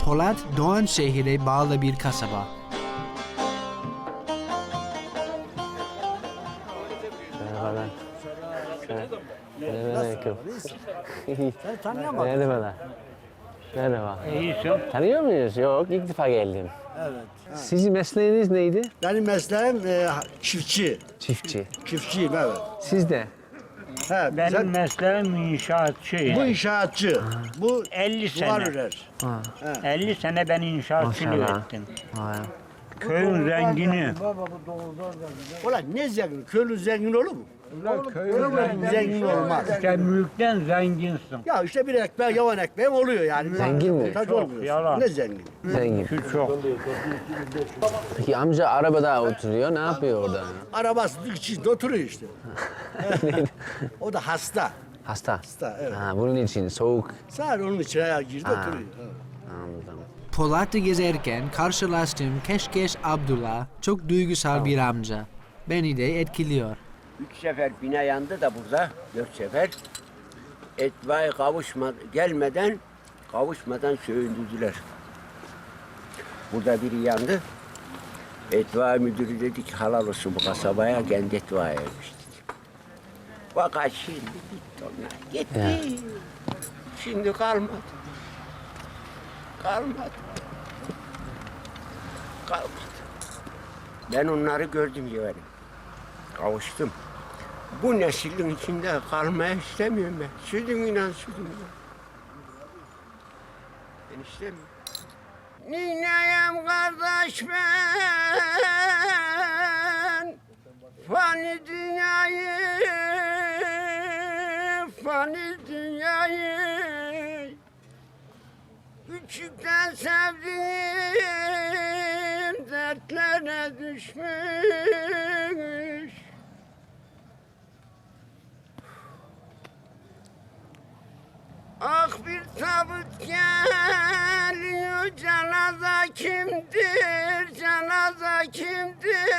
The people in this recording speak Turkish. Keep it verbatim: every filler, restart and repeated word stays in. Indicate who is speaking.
Speaker 1: Polat, Doğanşehir'e bağlı bir kasaba.
Speaker 2: Merhabalar. Selamünaleyküm.
Speaker 3: Seni tanıyamadın.
Speaker 2: Merhabalar. Merhaba.
Speaker 3: İyisin.
Speaker 2: Tanıyor muyuz? Yok, ilk defa geldim.
Speaker 3: Evet.
Speaker 2: Sizin mesleğiniz neydi?
Speaker 3: Benim mesleğim e, çiftçi.
Speaker 2: Çiftçi.
Speaker 3: Çiftçiyim evet.
Speaker 2: Siz de?
Speaker 3: He,
Speaker 4: Benim
Speaker 3: sen-
Speaker 4: mesleğim inşaatçı.
Speaker 3: bu inşaatçı. Bu
Speaker 4: elli
Speaker 3: duvar
Speaker 4: sene.
Speaker 3: örer.
Speaker 2: Ha.
Speaker 4: elli sene ben inşaatçılık
Speaker 2: Maşallah.
Speaker 4: ettim.
Speaker 2: Ha.
Speaker 4: Köyün zengini.
Speaker 3: Ulan ne zengin? Köylü zengin olur mu? Köylü zengin olmaz.
Speaker 4: Sen mülkten zenginsin.
Speaker 3: Ya işte bir ekmek, yavan ekmeğim oluyor yani.
Speaker 2: Zengin mi?
Speaker 3: Taç
Speaker 4: Çok,
Speaker 3: olmuyor.
Speaker 4: yalan.
Speaker 3: Ne zengin?
Speaker 2: Zengin.
Speaker 4: Şu çok.
Speaker 2: Peki amca arabada oturuyor, ne yapıyor orada?
Speaker 3: Arabası içinde oturuyor işte. O da hasta.
Speaker 2: Hasta.
Speaker 3: Hasta evet.
Speaker 2: Ha, bunun için soğuk.
Speaker 3: Sadece onun içine girdi
Speaker 2: Ha.
Speaker 3: oturuyor. Evet.
Speaker 2: Anladım.
Speaker 1: Polat'ı gezerken karşılaştığım Keşkeş Abdullah çok duygusal bir amca. Beni de etkiliyor.
Speaker 5: Üç sefer bina yandı da burada, dört sefer. Etba'ya kavuşma, gelmeden, kavuşmadan söndürdüler. Burada biri yandı. Etba müdürü dedi ki halal olsun bu kasabaya, kendi Etba'ya ermiş dedi. Fakat şimdi gitti onlar, gitti.
Speaker 2: Ya.
Speaker 5: Şimdi kalmadı. Kalmadı. Kalmadı. Ben onları gördüm yani. Kavuştum. Bu neslin içinde kalmaya istemiyorum ben. Sütüm inan sütüm inan. Ben istemiyorum. Nineyim kardeş ben, fani dünyayı, fani dünyayı, küçükten sevdiğim dertlere düşmüş. Ah bir tabut geliyor, canaza kimdir, canaza kimdir?